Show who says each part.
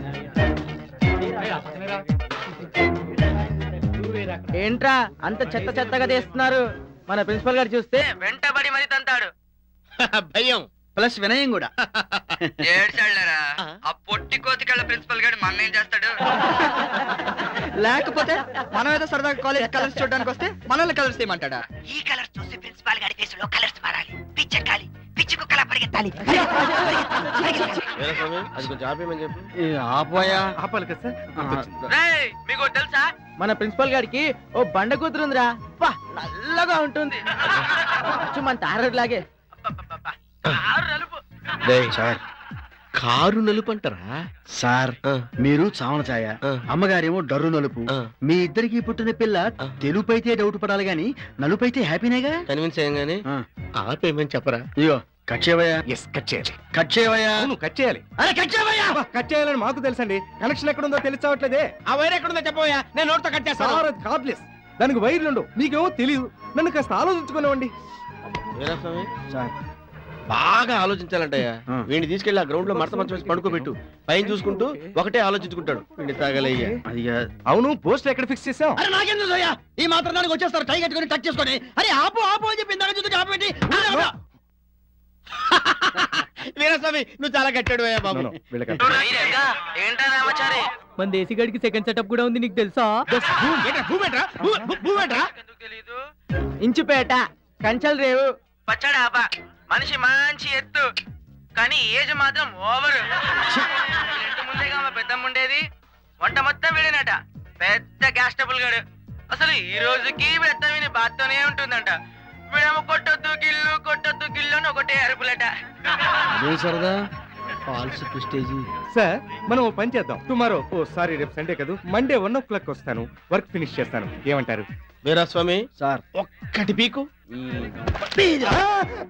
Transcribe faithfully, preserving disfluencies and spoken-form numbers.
Speaker 1: ఏంట్రా అంత చెత్త చెత్తగా తీస్తున్నారు? మన ప్రిన్సిపల్ గారు చూస్తే వెంటబడి మరి తంతాడు.
Speaker 2: భయం
Speaker 3: ప్లస్ వినయం కూడా.
Speaker 1: ఏడ్చాళ్ళరా ఆ పొట్టి కోతికళ్ళ ప్రిన్సిపల్ గారు మన ఏం చేస్తాడు?
Speaker 3: లేకపోతే మనం ఏదో సరదాగా కాలేజ్ కలర్స్ చూడడానికి వస్తే మనల్ని కలర్స్ చేయమంటాడా?
Speaker 4: ఈ కలర్స్ చూసి ప్రిన్సిపాల్ గారి ఫేస్ లో కలర్స్ మారాలి, పిచ్చెక్కాలి, పిచ్చి కుక్కలా పరిగెత్తాలి.
Speaker 2: అది కొంచెం ఆపేయమని చెప్పు.
Speaker 3: ఆపోయా
Speaker 5: ఆపాలి కదా
Speaker 1: రేయ్, మీకు ఒకటి తెలుసా? మన ప్రిన్సిపల్ గారికి ఓ బండ కూతురుందిరా, అబ్బా నల్లగా ఉంటుంది. అచ్చు మన తారడు లాగే. అబ్బబ్బబ్బబ్బా, కారు నలుపు.
Speaker 2: సార్ కారు నలుపు అంటారా
Speaker 3: సార్? మీరు చావన ఛాయ, అమ్మగారేమో డర్రు నలుపు. మీ ఇద్దరికి పుట్టిన పిల్ల తెలుపు అయితే డౌట్ పడాలి గాని నలుపు అయితే హ్యాపీనేగా.
Speaker 2: కన్విన్స్ అయ్యంగానే ఆపేయమని చెప్పరా?
Speaker 3: ఇగో కట్ చేయవయ్యా.
Speaker 5: ఎస్ కట్ చేయాలి.
Speaker 3: కట్ చేయవయ్యా.
Speaker 5: అవును కట్ చేయాలి.
Speaker 3: అరే కట్ చేయవయ్యా.
Speaker 5: కట్ చేయాలని మాకు తెలుసండి, కనెక్షన్ ఎక్కడుందో తెలిసావట్లేదే.
Speaker 2: ఆ వైర్ ఎక్కడుందో చెప్పవయ్యా, నేను నోట్తో కట్ చేస్తాను.
Speaker 5: సార్ అది కార్డ్లెస్, దానికి వైర్లుండు. మీకేమో తెలియదు, నన్ను కాస్త ఆలోచించుకునేవ్వండి.
Speaker 3: సార్
Speaker 2: బాగా ఆలోచించాలంటయ్యా. వీడిని తీసుకెళ్లి ఆ గ్రౌండ్ లో మడత మంచం వేసి పడుకోబెట్టు. పైన చూసుకుంటూ ఒకటే ఆలోచించుకుంటాడు. వీడిని తాగలయ్యా.
Speaker 3: అది
Speaker 5: అవును పోస్ట్ ఎక్కడ ఫిక్స్ చేసాం?
Speaker 3: అరే నాకెందుకు అయ్యా, ఈ మాత్రం దానికి వచ్చేస్తారు టై కట్టుకొని టచ్ చేసుకొని. అరే ఆపు ఆపు అని చెప్పి ఇందాక చూసి ఆపు పెట్టి.
Speaker 2: వీరస్వామి నువ్వు చాలా కట్టాడు అయ్యా బాబు.
Speaker 1: ఏంటా రామచారి,
Speaker 6: మన దేశీగడికి సెకండ్ సెటప్ కూడా ఉంది, నీకు తెలుసా?
Speaker 1: ఇంచుపేట కంచల్ రేవు పచ్చడాబా, మనిషి మంచి ఎత్తు కానీ ఏజ్ మాత్రం ఓవర్. ఇంటి ముందేగా మా పెద్దమ్మ ఉండేది, వంట మొత్తం వీడినట. పెద్ద గ్యాస్ ట్రబుల్ గాడు. అసలు ఈ రోజుకి పెద్ద విని బాత్తోనే ఉంటుందంట. వీడేమో కొట్టొద్దు గిల్లు కొట్టొద్దు గిల్లు అని ఒకటే అరుపులట.
Speaker 3: సరదా ఫాల్స్ ప్రెస్టేజ్.
Speaker 5: సార్ మనం ఓ పని చేద్దాం. టుమారో ఓ సారీ రేపు సండే కదా, మండే వన్ ఓ క్లాక్ వస్తాను, వర్క్ ఫినిష్ చేస్తాను. ఏమంటారు?
Speaker 2: వీరస్వామి
Speaker 3: సార్
Speaker 2: ఒక్కటి పీకు.